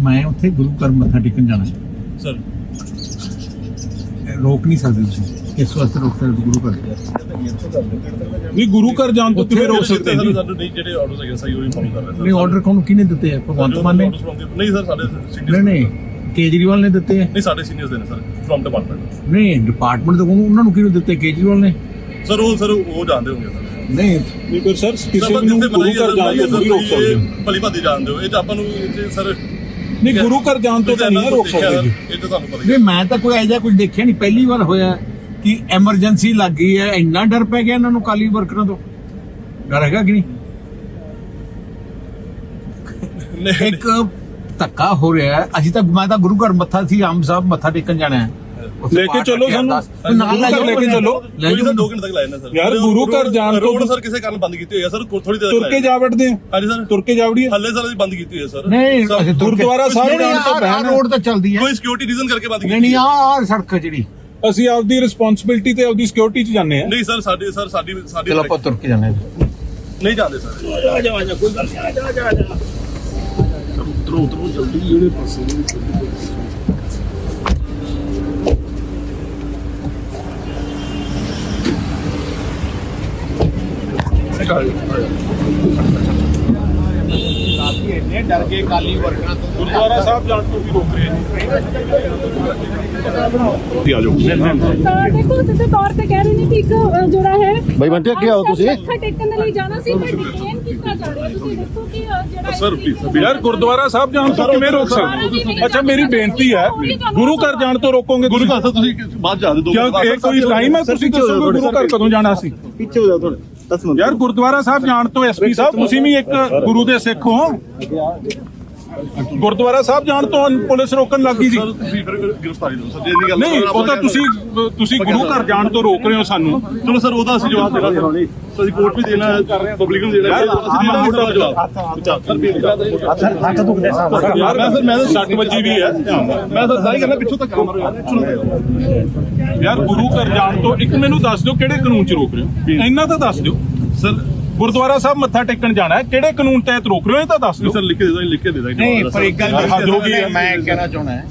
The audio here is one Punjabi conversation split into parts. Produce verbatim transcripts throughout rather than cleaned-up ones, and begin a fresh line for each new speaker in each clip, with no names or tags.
मैं उत्थे गुरु घर मत्था टेकन जाना
सर
रोक नहीं सकते तुसीं किस वास्ते रोक सकते गुरु घर
नहीं गुरु घर जान तो किवें रोक सकते हैं जी
ਸਾਨੂੰ ਨਹੀਂ ਜਿਹੜੇ ਆਰਡਰਸ ਹੈਗੇ ਸਹੀ ਉਹੀ ਫੋਲੋ ਕਰ ਰਹੇ
नहीं ऑर्डर कौन किने दिते है भगवंत मान ने
ਨਹੀਂ ਸਰ ਸਾਡੇ
नहीं
ਸੀਨੀਅਰਸ
नहीं केजरीवाल ने दिते है
ਨਹੀਂ ਸਾਡੇ ਸੀਨੀਅਰਸ ਦੇ ਨੇ ਸਰ ਫਰਮ ਡਿਪਾਰਟਮੈਂਟ
नहीं डिपार्टमेंट तो उन्होंने किने दिते केजरीवाल ने
ਸਰ ਉਹ ਸਰ ਉਹ ਜਾਣਦੇ ਹੋਣਗੇ ਸਰ
नहीं
नहीं पर सर किसी ਨੂੰ ਗੁਰੂ ਘਰ ਜਾਣ ਤੋਂ ਨਹੀਂ ਰੋਕ ਸਕਦੇ
ਭਲੀ ਭਾਦੀ ਜਾਣਦੇ ਹੋ ਇਹ ਤਾਂ ਆਪਾਂ ਨੂੰ ਸਰ
नहीं गुरु घर जान तो नहीं रोक सकते जी
ਇਹ ਤਾਂ ਤੁਹਾਨੂੰ ਪਤਾ
नहीं मैं तो कोई ऐसा कुछ देखा नहीं पहली बार होया कि एमरजेंसी लग गई है इन्ना डर पै गया इन्होंने काली वर्करां तो डर हैगा कि नहीं एक धक्का हो रहा है अभी तक मैं तो गुरु घर मत्था सी आम साहब मत्था टेकन जाना है
लेके चलो ਸਾਨੂੰ लेके चलो
ਸਰ ਦੋ ਘੰਟੇ ਤੱਕ ਲਾਇਆ ਨਾ ਸਰ
ਯਾਰ ਗੁਰੂ ਘਰ ਜਾਣ ਤੋਂ
ਰੋਡ ਸਰ ਕਿਸੇ ਕਾਰਨ ਬੰਦ ਕੀਤੀ ਹੋਈ ਹੈ ਸਰ ਥੋੜੀ ਦੇਰ
ਤੁਰ ਕੇ ਜਾ ਵੜਦੇ
ਹਾਂਜੀ ਸਰ
ਤੁਰ ਕੇ ਜਾਵੜੀ
ਹੱਲੇ ਸਰ ਅਸੀਂ ਬੰਦ ਕੀਤੀ ਹੋਈ ਹੈ ਸਰ
नहीं
गुरुद्वारा साहब जान तो बैन
रोड तो चलती है
ਕੋਈ ਸਿਕਿਉਰਿਟੀ ਰੀਜ਼ਨ ਕਰਕੇ ਬੰਦ
नहीं
ਕੀਤੀ
नहीं आ सड़क जी
ਅਸੀਂ ਆਪਦੀ ਰਿਸਪੌਂਸਿਬਿਲਟੀ ਤੇ ਆਪਦੀ ਸਿਕਿਉਰਿਟੀ ਚ ਜਾਂਦੇ ਆ
ਨਹੀਂ ਸਰ ਸਾਡੀ ਸਰ ਸਾਡੀ ਸਾਡੀ
चलो आप तुर के जाने
ਨਹੀਂ ਜਾਂਦੇ ਸਰ
ਉਤਰੋ ਉਤਰੋ ਜਲਦੀ ਜਿਹੜੇ ਪਾਸੇ
डर के काली वर्करां तो
ਗੁਰਦੁਆਰਾ ਸਾਹਿਬ ਜਾਣ ਤੋਂ ਵੀ ਰੋਕ ਰਹੇ ਨੇ ਆ ਜਾਓ
ਤਾਂ ਦੇਖੋ ਸਿੱਧੇ ਤੌਰ ਤੇ ਕਹਿ ਰਹੇ ਨੇ ਕਿ ਇੱਕ ਅ, ਜਿਹੜਾ ਹੈ
ਬਾਈ ਬੰਟੇ ਅੱਗੇ ਆਓ ਤੁਸੀਂ
ਮੱਥਾ ਟੇਕਣ ਦੇ ਲਈ ਜਾਣਾ ਸੀ ਪਰ ਡਿਟੇਨ ਕੀਤਾ ਜਾ ਰਿਹਾ ਤੁਸੀਂ ਦੇਖੋ ਕਿ ਅ, ਜਿਹੜਾ
ਸਰ ਪਲੀਜ਼
ਯਾਰ ਗੁਰਦੁਆਰਾ ਸਾਹਿਬ ਜਾਣ ਤੋਂ ਕਿਵੇਂ ਰੋਕ ਸਕਦੇ ਅੱਛਾ ਮੇਰੀ ਬੇਨਤੀ ਹੈ ਗੁਰੂ ਘਰ ਜਾਣ ਤੋਂ ਰੋਕੋਗੇ
ਗੁਰੂ ਘਰ ਤੋਂ ਤੁਸੀਂ ਬਾਅਦ ਜਾ ਦੇ ਦੋ
ਕਿਉਂ ਇਹ ਕੋਈ ਟਾਈਮ ਹੈ ਤੁਸੀਂ ਦੱਸੋਗੇ ਗੁਰੂ ਘਰ ਕਦੋਂ ਜਾਣਾ ਸੀ
ਪਿੱਛੇ ਹੋ ਜਾਓ ਥੋੜੇ ਦਸ ਮਿੰਟ
ਯਾਰ ਗੁਰਦੁਆਰਾ ਸਾਹਿਬ ਜਾਣ ਤੋਂ ਐਸਪੀ ਸਾਹਿਬ ਤੁਸੀਂ ਵੀ ਇੱਕ ਗੁਰੂ ਦੇ ਸਿੱਖ ਹੋ ਗੁਰਦੁਆਰਾ ਸਾਹਿਬ ਜਾਣ ਤੋਂ ਪੁਲਿਸ ਰੋਕਣ ਲੱਗੀ ਸੀ
ਸਰ ਤੁਸੀਂ ਫਿਰ ਗ੍ਰਿਫਤਾਰੀ ਦਿਓ ਸਰ ਜੇ ਨਹੀਂ ਗੱਲ
ਨਹੀਂ ਉਹ ਤਾਂ ਤੁਸੀਂ ਤੁਸੀਂ ਗੁਰੂ ਘਰ ਜਾਣ ਤੋਂ ਰੋਕ ਰਹੇ ਹੋ ਸਾਨੂੰ
ਚਲੋ ਸਰ ਉਹਦਾ ਅਸੀਂ ਜਵਾਬ ਦੇਣਾ ਸਰ ਅਸੀਂ ਕੋਰਟ ਵੀ ਦੇਣਾ ਪਬਲਿਕ ਨੂੰ ਦੇਣਾ ਅਸੀਂ ਦੇਣਾ ਮੋਟਾ ਜਵਾਬ ਸਰ
ਹੱਥ ਦੁਖਦੇ ਸਾਹਿਬ
ਯਾਰ ਮੈਂ ਸਰ ਮੈਂ ਤਾਂ ਸੱਟ ਵੱਜੀ ਵੀ ਹੈ
ਮੈਂ ਸਰ ਸਾਰੀ ਕਰਨਾ ਪਿੱਛੋਂ ਤੱਕ ਕੰਮ ਰਿਹਾ
ਯਾਰ ਗੁਰੂ ਘਰ ਜਾਣ ਤੋਂ ਇੱਕ ਮੈਨੂੰ ਦੱਸ ਦਿਓ ਕਿਹੜੇ ਕਾਨੂੰਨ 'ਚ ਰੋਕ ਰਹੇ ਹੋ ਇੰਨਾ ਤਾਂ ਦੱਸ ਦਿਓ
ਸਰ
ਗੁਰਦੁਆਰਾ ਸਾਹਿਬ ਮੱਥਾ ਟੇਕਣ ਜਾਣਾ ਹੈ ਕਿਹੜੇ ਕਾਨੂੰਨ ਤਹਿਤ ਰੋਕ ਰਹੇ ਹੋ ਇਹ ਤਾਂ ਦੱਸ ਦਿਓ
ਸਰ ਲਿਖ ਕੇ ਦੇ ਦੋ ਲਿਖ ਕੇ ਦੇ ਦਾਂਗੇ
नहीं पर एक गल
हद हो गई है।
मैं कहना चाहना है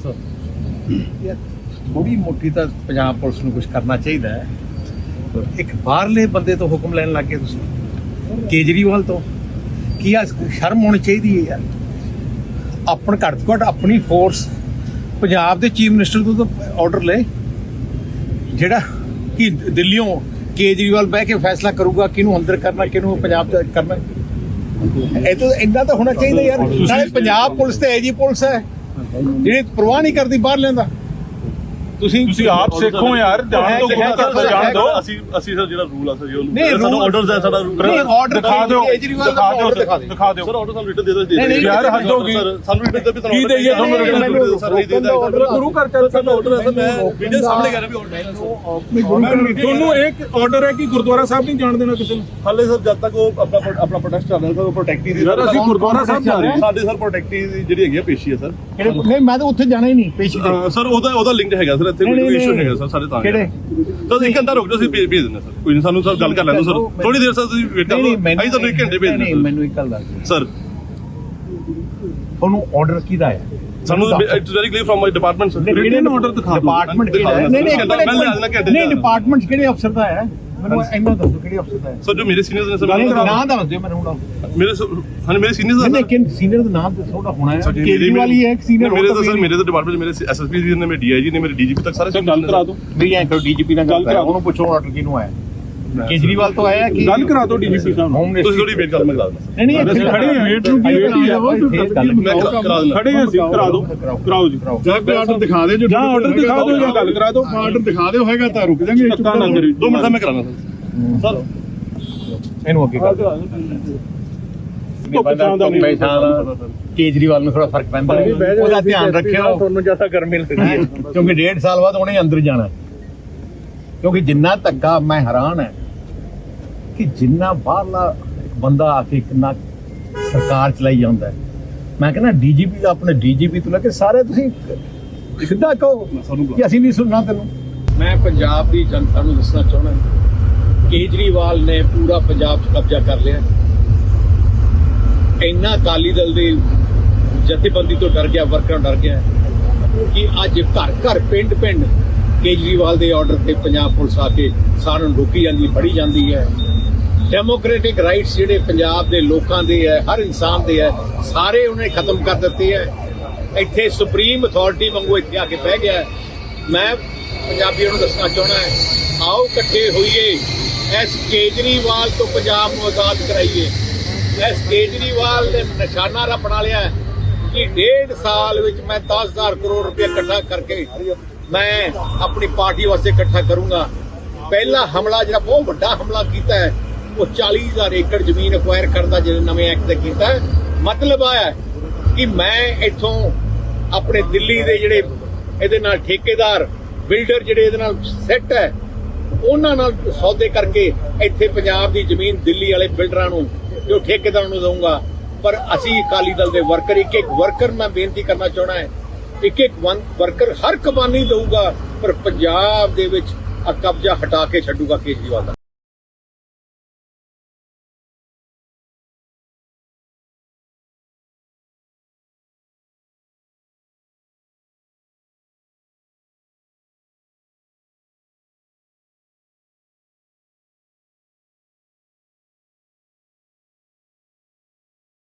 थोड़ी मोटी तो पंजाब पुलिस ਨੂੰ ਕੁਝ ਕਰਨਾ ਚਾਹੀਦਾ ਹੈ ਇੱਕ ਬਾਹਰਲੇ ਬੰਦੇ ਤੋਂ ਹੁਕਮ ਲੈਣ ਲੱਗੇ ਤੁਸੀਂ ਕੇਜਰੀਵਾਲ ਤੋਂ ਕੀ ਆ ਸ਼ਰਮ ਹੋਣੀ ਚਾਹੀਦੀ ਹੈ ਯਾਰ ਆਪਣ ਘੱਟ ਤੋਂ ਘੱਟ ਆਪਣੀ ਫੋਰਸ ਪੰਜਾਬ ਦੇ ਚੀਫ ਮਿਨਿਸਟਰ ਤੋਂ ਤਾਂ ਆਰਡਰ ਲੈ ਜਿਹੜਾ ਕਿ ਦਿੱਲੀੋਂ ਕੇਜਰੀਵਾਲ ਬਹਿ ਕੇ ਫੈਸਲਾ ਕਰੂਗਾ ਕਿਹਨੂੰ ਅੰਦਰ ਕਰਨਾ ਕਿਹਨੂੰ ਪੰਜਾਬ ਚ ਕਰਨਾ ਇਹ ਤਾਂ ਇੰਨਾ ਤਾਂ ਹੋਣਾ ਚਾਹੀਦਾ ਯਾਰ ਨਾਲੇ ਪੰਜਾਬ ਪੁਲਿਸ ਤੇ ਐਜੀ ਪੁਲਿਸ ਹੈ ਜਿਹੜੀ ਪ੍ਰਵਾਹ ਨਹੀਂ ਕਰਦੀ ਬਾਹਰ ਲੈਂਦਾ ਤੁਸੀਂ
ਤੁਸੀਂ ਆਪ ਸਿੱਖੋ ਯਾਰ ਜਾਣ ਤੋਂ ਗੁਰੂ ਘਰ ਤੋਂ ਜਾਣ ਦਿਓ
ਅਸੀਂ ਅਸੀਂ ਸਰ ਜਿਹੜਾ ਰੂਲ ਆ ਸਰ ਜੀ
ਨਹੀਂ,
ਉਹਨੂੰ ਸਾਨੂੰ
rule-
ਆਰਡਰਸ ਹੈ ਸਾਡਾ rule-
ਨਹੀਂ, order
ਦਿਖਾ ਦਿਓ
ਕੇਜਰੀਵਾਲ ਦਾ
ਦਿਖਾ ਦਿਓ
order ਦਿਖਾ ਦਿਓ।
ਦਿਖਾ ਦਿਓ
ਸਰ ਆਰਡਰ ਸਾਨੂੰ ਰਿਟਨ ਦੇ ਦੋ
ਨਹੀਂ, ਨਹੀਂ,
ਯਾਰ ਹੱਦ ਹੋ ਗਈ
ਸਰ ਸਾਨੂੰ ਰਿਟਨ ਦੇ ਵੀ
ਕੀ ਦੇਈਏ ਤੁਹਾਨੂੰ
ਰਿਟਨ
written?
ਸਰ ਨਹੀਂ ਦੇ ਦਾਂਗੇ
ਗੁਰੂ ਘਰ ਚੱਲ
ਸਾਨੂੰ ਆਰਡਰ ਹੈ ਸਰ ਮੈਂ ਵੀਡੀਓ ਸਾਹਮਣੇ ਕਰ ਰਿਹਾ ਵੀ ਆਰਡਰ
ਤੁਹਾਨੂੰ ਇੱਕ ਆਰਡਰ ਹੈ ਕਿ ਗੁਰਦੁਆਰਾ ਸਾਹਿਬ ਨਹੀਂ ਜਾਣ ਦੇਣਾ ਕਿਸੇ ਨੂੰ
ਹਾਲੇ ਸਰ ਜਦ ਤੱਕ ਉਹ ਆਪਣਾ ਆਪਣਾ ਪ੍ਰੋਟੈਸਟ ਚੱਲ ਰਿਹਾ ਸਰ ਉਹ ਪ੍ਰੋਟੈਕਟੀ ਦੀ
ਯਾਰ ਅਸੀਂ ਗੁਰਦੁਆਰਾ ਸਾਹਿਬ ਜਾ ਰਹੇ ਹਾਂ
ਸਾਡੇ ਸਰ ਪ੍ਰੋਟੈਕਟੀ ਦੀ ਜਿਹੜੀ ਹੈਗੀ ਆ ਪੇਸ਼ੀ ਹੈ ਸਰ
ਨਹੀਂ ਮੈਂ ਤਾਂ ਉੱਥੇ ਜਾਣਾ ਹੀ ਨਹੀਂ ਪੇਸ਼ੀ ਤੇ
ਅਹ ਸਰ ਉਹਦਾ ਉਹਦਾ ਲਿੰਕ ਹੈਗਾ ਸਰ ਇੱਥੇ
ਨਹੀਂ,
ਕੋਈ
ਨਹੀਂ,
ਇਸ਼ੂ
ਨਹੀਂ।
ਹੈਗਾ ਸਰ ਸਾਡੇ ਤਾਂ
ਕਿਹੜੇ?
ਤਾਂ ਇੱਕ ਘੰਟਾ ਰੁਕ ਜਾਓ ਅਸੀਂ ਭੇਜ ਭੇਜ ਦਿੰਦੇ ਸਰ ਕੋਈ ਨਹੀਂ ਸਾਨੂੰ ਸਰ ਗੱਲ ਕਰ ਲੈਣ ਦਿਓ ਸਰ ਥੋੜੀ ਦੇਰ ਸਰ ਤੁਸੀਂ ਵੇਟ ਕਰੋ ਅਸੀਂ ਤੁਹਾਨੂੰ ਇੱਕ ਘੰਟੇ ਭੇਜ
ਨਹੀਂ
ਦਿੰਦੇ
ਮੈਨੂੰ ਇੱਕ ਗੱਲ ਦੱਸ
ਸਰ
ਉਹਨੂੰ ਆਰਡਰ ਕਿਹਦਾ ਹੈ
ਸਾਨੂੰ it's very clear from my department sir
ਕਿਹੜੇ ਨੂੰ order ਦਿਖਾ ਦਿਓ।
ਡਿਪਾਰਟਮੈਂਟ ਕਿਹੜਾ ਹੈ ਨਹੀਂ ਨਹੀਂ
ਮੈਂ ਲੈ ਲੈਣਾ ਘੰਟੇ
ਨਹੀਂ ਡਿਪਾਰਟਮੈਂਟ ਕਿਹੜੇ ਅਫਸਰ ਦਾ ਹੈ ਮੈਨੂੰ ਇੰਨਾ ਦੱਸੋ ਕਿਹੜੇ ਅਫਸਰ ਦਾ ਹੈ
ਸਰ ਜੋ ਮੇਰੇ ਸੀਨੀਅਰਸ ਨੇ ਸਰ
ਨਾਮ ਦੱਸ ਦਿਓ ਮੈਨੂੰ ਹੁਣ
ਮੇਰੇ ਹਾਂ ਮੇਰੇ ਸੀਨੀਅਰਸ
ਨਹੀਂ ਲੇਕਿਨ ਸੀਨੀਅਰ ਦਾ ਨਾਮ ਦੱਸੋ ਉਹਦਾ ਹੋਣਾ ਹੈ ਕੇਜਰੀਵਾਲ ਹੀ ਹੈ ਇੱਕ ਸੀਨੀਅਰ
ਮੇਰੇ ਤਾਂ ਸਰ ਮੇਰੇ ਤਾਂ ਡਿਪਾਰਟਮੈਂਟ ਮੇਰੇ ਐਸਐਸਪੀ ਜੀ ਨੇ ਮੇਰੇ ਡੀਆਈਜੀ ਨੇ ਮੇਰੇ ਡੀਜੀਪੀ ਤੱਕ ਸਾਰੇ
ਗੱਲ ਕਰਾ ਦਿਓ
ਮੇਰੀ ਐਂ ਕਰੋ ਡੀਜੀਪੀ ਨਾਲ ਗੱਲ ਕਰਾ ਉਹਨੂੰ ਪੁੱਛੋ ਆਰਡਰ ਕਿਹਨੂੰ ਆਇਆ ਕੇਜਰੀਵਾਲ ਤੋਂ ਆਇਆ ਕਿ
ਗੱਲ ਕਰਾ ਦਿਓ ਡੀਜੀਪੀ ਸਾਹਿਬ ਨੂੰ
ਹੋਮ
ਤੁਸੀਂ ਥੋੜੀ ਵੇਟ ਕਰ ਮੈਂ ਕਰਾ ਦਿੰਦਾ
ਨਹੀਂ ਨਹੀਂ ਇੱਥੇ
ਖੜੇ ਹਾਂ ਵੇਟ ਨੂੰ ਕੀ
ਵੇਟ
ਵੇਟ
ਹੈ
ਮੈਂ ਕਰਾ ਕਰਾ ਦਿੰਦਾ
ਖੜੇ ਹਾਂ ਅਸੀਂ ਕਰਾ ਦਿਓ ਕਰਾਓ ਜੀ
ਜਾਂ ਕੋਈ ਆਰਡਰ ਦਿਖਾ ਦੇ ਜੋ
ਜਾਂ ਆਰਡਰ ਦਿਖਾ ਦਿਓ ਜਾਂ ਗੱਲ ਕਰਾ ਦਿਓ
ਆਰਡਰ ਦਿਖਾ ਦਿਓ ਹੋਏਗਾ ਤਾਂ ਰੁਕ ਜਾਾਂਗੇ
ਧੱਕਾ ਨਾ ਕਰੀ
ਦੋ ਮਿੰਟ ਦਾ ਮੈਂ ਕਰਾਣਾ ਸਰ
ਇਹਨੂੰ ਅੱਗੇ ਕਰ ਕੇਜਰੀਵਾਲ ਨੂੰ ਥੋੜਾ ਫਰਕ ਪੈਂਦਾ ਉਹਦਾ ਧਿਆਨ ਰੱਖਿਓ
ਤੁਹਾਨੂੰ ਜਿਆਦਾ ਗਰਮੀ ਲੱਗਦੀ ਹੈ
ਕਿਉਂਕਿ ਡੇਢ ਸਾਲ ਬਾਅਦ ਉਹਨੇ ਅੰਦਰ ਜਾਣਾ ਕਿਉਂਕਿ ਜਿੰਨਾ ਧੱਕਾ ਮੈਂ ਹੈਰਾਨ ਹੈ ਕਿ ਜਿੰਨਾ ਬਾਹਰਲਾ ਇੱਕ ਬੰਦਾ ਆ ਕੇ ਕਿੰਨਾ ਸਰਕਾਰ ਚਲਾਈ ਜਾਂਦਾ ਹੈ ਮੈਂ ਕਹਿੰਦਾ ਡੀਜੀਪੀ ਦਾ ਆਪਣੇ ਡੀਜੀਪੀ ਤੋਂ ਲੈ ਕੇ ਸਾਰੇ ਤੁਸੀਂ ਸਿੱਧਾ ਕਹੋ ਕਿ ਅਸੀਂ ਨਹੀਂ ਸੁਣਨਾ ਤੈਨੂੰ ਮੈਂ ਪੰਜਾਬ ਦੀ ਜਨਤਾ ਨੂੰ ਦੱਸਣਾ ਚਾਹੁੰਦਾ ਕੇਜਰੀਵਾਲ ਨੇ ਪੂਰਾ ਪੰਜਾਬ 'ਚ ਕਬਜ਼ਾ ਕਰ ਲਿਆ ਇੰਨਾ ਅਕਾਲੀ ਦਲ ਦੇ
ਜਥੇਬੰਦੀ ਤੋਂ ਡਰ ਗਿਆ, ਵਰਕਰਾਂ ਡਰ ਗਿਆ ਕਿ ਅੱਜ ਘਰ ਘਰ ਪਿੰਡ ਪਿੰਡ ਕੇਜਰੀਵਾਲ ਦੇ ਆਰਡਰ ਤੇ ਪੰਜਾਬ ਪੁਲਿਸ ਆ ਕੇ ਸਾਰਿਆਂ ਨੂੰ ਰੋਕੀ ਜਾਂਦੀ, ਫੜੀ ਜਾਂਦੀ ਹੈ। ਡੈਮੋਕ੍ਰੈਟਿਕ ਰਾਈਟਸ ਜਿਹੜੇ ਪੰਜਾਬ ਦੇ ਲੋਕਾਂ ਦੇ ਹੈ, ਹਰ ਇਨਸਾਨ ਦੇ ਹੈ, ਸਾਰੇ ਉਹਨੇ ਖਤਮ ਕਰ ਦਿੱਤੇ ਹੈ। ਇੱਥੇ ਸੁਪਰੀਮ ਅਥਾਰਟੀ ਵਾਂਗੂ ਇੱਥੇ ਆ ਕੇ ਬਹਿ ਗਿਆ। ਮੈਂ ਪੰਜਾਬੀਆਂ ਨੂੰ ਦੱਸਣਾ ਚਾਹੁੰਦਾ ਹੈ, ਆਓ ਇਕੱਠੇ ਹੋਈਏ, ਇਸ ਕੇਜਰੀਵਾਲ ਤੋਂ ਪੰਜਾਬ ਨੂੰ ਆਜ਼ਾਦ ਕਰਾਈਏ। ਇਸ ਕੇਜਰੀਵਾਲ ਨੇ ਨਿਸ਼ਾਨਾ ਰਾ ਬਣਾ ਲਿਆ ਕਿ ਡੇਢ ਸਾਲ ਵਿੱਚ ਮੈਂ ਦਸ ਹਜ਼ਾਰ ਕਰੋੜ ਰੁਪਏ ਇਕੱਠਾ ਕਰਕੇ ਮੈਂ ਆਪਣੀ ਪਾਰਟੀ ਵਾਸਤੇ ਇਕੱਠਾ ਕਰੂੰਗਾ। ਪਹਿਲਾ ਹਮਲਾ ਜਿਹੜਾ ਬਹੁਤ ਵੱਡਾ ਹਮਲਾ ਕੀਤਾ ਹੈ ਉਹ ਚਾਲੀ ਹਜ਼ਾਰ ਏਕੜ ਜ਼ਮੀਨ ਅਕਵਾਇਰ ਕਰਨ ਦਾ ਜਿਹੜੇ ਨਵੇਂ ਐਕਟ ਤੇ ਕੀਤਾ ਹੈ। ਮਤਲਬ ਆਇਆ ਕਿ ਮੈਂ ਇੱਥੋਂ ਆਪਣੇ ਦਿੱਲੀ ਦੇ ਜਿਹੜੇ ਇਹਦੇ ਨਾਲ ਠੇਕੇਦਾਰ ਬਿਲਡਰ ਜਿਹੜੇ ਇਹਦੇ ਨਾਲ ਸੈੱਟ ਹੈ ਉਹਨਾਂ ਨਾਲ ਸੌਦੇ ਕਰਕੇ ਇੱਥੇ ਪੰਜਾਬ ਦੀ ਜ਼ਮੀਨ ਦਿੱਲੀ ਵਾਲੇ ਬਿਲਡਰਾਂ ਨੂੰ ਜੋ ਠੇਕੇਦਾਰਾਂ ਨੂੰ ਦਊਂਗਾ। ਪਰ ਅਸੀਂ ਅਕਾਲੀ ਦਲ ਦੇ ਵਰਕਰ ਇੱਕ ਇੱਕ ਵਰਕਰ ਮੈਂ ਬੇਨਤੀ ਕਰਨਾ ਚਾਹੁੰਦਾ ਹੈ, ਇੱਕ ਇੱਕ ਵਰਕਰ ਹਰ ਕੁਰਬਾਨੀ ਦਊਗਾ ਪਰ ਪੰਜਾਬ ਦੇ ਵਿੱਚ ਆ ਕਬਜ਼ਾ ਹਟਾ ਕੇ ਛੱਡੂਗਾ ਕੇਜਰੀਵਾਲ ਦਾ।